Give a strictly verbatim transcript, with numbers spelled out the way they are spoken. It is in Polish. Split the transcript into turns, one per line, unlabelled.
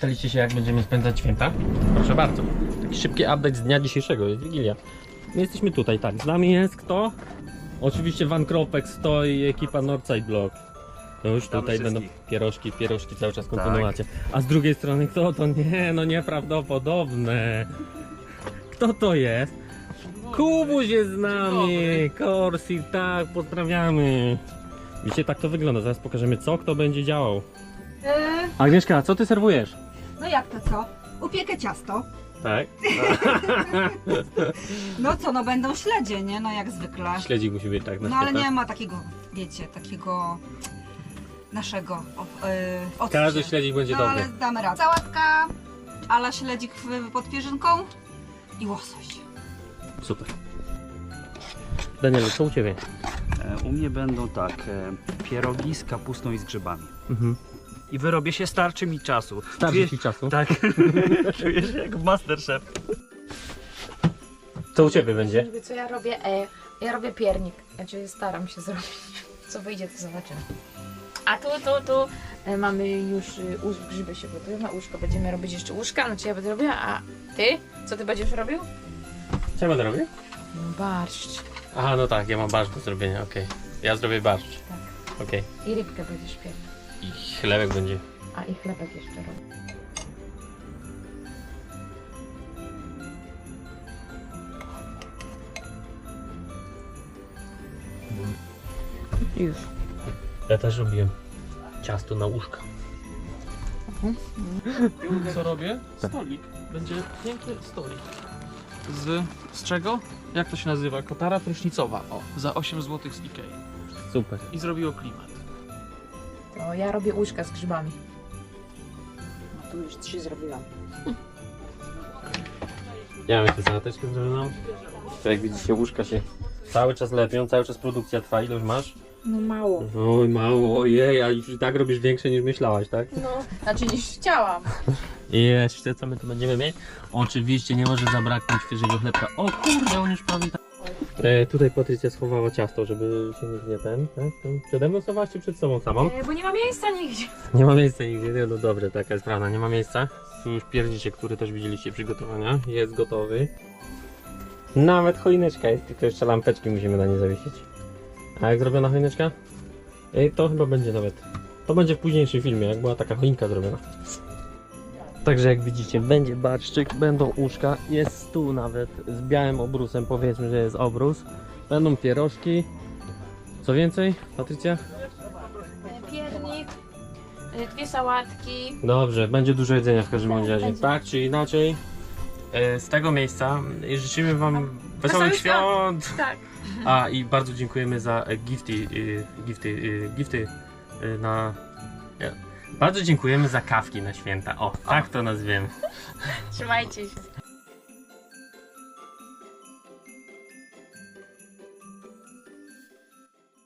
Pytaliście się, jak będziemy spędzać święta? Proszę bardzo. Taki szybki update z dnia dzisiejszego, jest Wigilia. My jesteśmy tutaj, tak. Z nami jest kto? Oczywiście Van Kropek stoi i ekipa Northside Block. No już
Witamy
tutaj będą
wszystkich.
pierożki, pierożki cały czas kontynuacja. A z drugiej strony kto to? Nie, no nieprawdopodobne. Kto to jest? Kubuś jest z nami! Corsi, tak, pozdrawiamy. Widzicie, tak to wygląda. Zaraz pokażemy, co kto będzie działał.
Yy,
Agnieszka, co ty serwujesz?
no jak to co? Upiekę ciasto.
Tak.
No co, no będą śledzie, nie? No jak zwykle.
Śledzik musi być tak na
No ale
święta.
nie ma takiego, wiecie, takiego naszego o, yy, odcie.
Każdy śledzik będzie
No
dobry.
ale damy radę. Sałatka, ala śledzik w- pod pierzynką i łosoś.
Super. Danielu, co u ciebie?
E, U mnie będą tak, e, pierogi z kapustą i z grzybami.
Mhm.
I wyrobię się, starczy mi czasu.
Starczy
Czuję-
ci czasu.
Tak, czuję się jak Masterchef.
Co u ciebie będzie?
Żeby co ja robię? E, ja robię piernik. Znaczy staram się zrobić. Co wyjdzie, to zobaczymy. A tu, tu, tu e, mamy już y, łóż, grzyby się gotują na łóżko. Będziemy robić jeszcze łóżka, no czy ja będę robiła, a ty? Co ty będziesz robił?
Co ja będę robił?
Barszcz.
Aha, no tak, ja mam barszcz do zrobienia, okej. Ja zrobię barszcz.
Tak.
Okej.
I rybkę będziesz piernik.
I chlebek będzie.
A i chlebek jeszcze robię. Już.
Ja też robiłem ciasto na łóżka.
Co robię?
Tak.
Stolik. Będzie piękny stolik. Z, z czego? Jak to się nazywa? Kotara prysznicowa. O, za osiem złotych z Ikei.
Super.
I zrobiło klimat.
To ja robię łóżka z grzybami. No tu już trzy zrobiłam.
Ja mam tę sałateczkę zrobioną. To jak widzicie, łóżka się cały czas lepią, cały czas produkcja trwa. Ile już masz?
No mało.
Oj, mało, ojej, a już i tak robisz większe niż myślałaś, tak?
No, znaczy niż chciałam.
I jeszcze co my tu będziemy mieć? Oczywiście nie może zabraknąć świeżego chlebka. O kurde, on już prawie tak. E, tutaj Patrycja schowała ciasto, żeby się nikt nie ten, tak? Przede mną schowałaś czy przed sobą samą?
E, bo nie ma miejsca nigdzie.
Nie ma miejsca nigdzie, nie, no dobrze, taka jest prawda, nie ma miejsca. Tu już pierdzicie, który też widzieliście przygotowania, jest gotowy. Nawet choineczka jest, tylko jeszcze lampeczki musimy na nie zawiesić. A jak zrobiona choineczka? Ej, to chyba będzie nawet, to będzie w późniejszym filmie, jak była taka choinka zrobiona. Także jak widzicie, będzie barszczyk, będą uszka, jest stół nawet z białym obrusem, powiedzmy, że jest obrus. Będą pierożki. Co więcej, Patrycja?
E, piernik, e, dwie sałatki.
Dobrze, będzie dużo jedzenia w każdym
Tak,
razie.
będzie.
Tak czy inaczej, e, z tego miejsca e, życzymy wam wesołych
wesołych
świąt.
Tak.
A i bardzo dziękujemy za e, gifty, e, gifty, e, gifty e, na... ja- Bardzo dziękujemy za kawki na święta. O, tak to nazwiemy.
Trzymajcie się.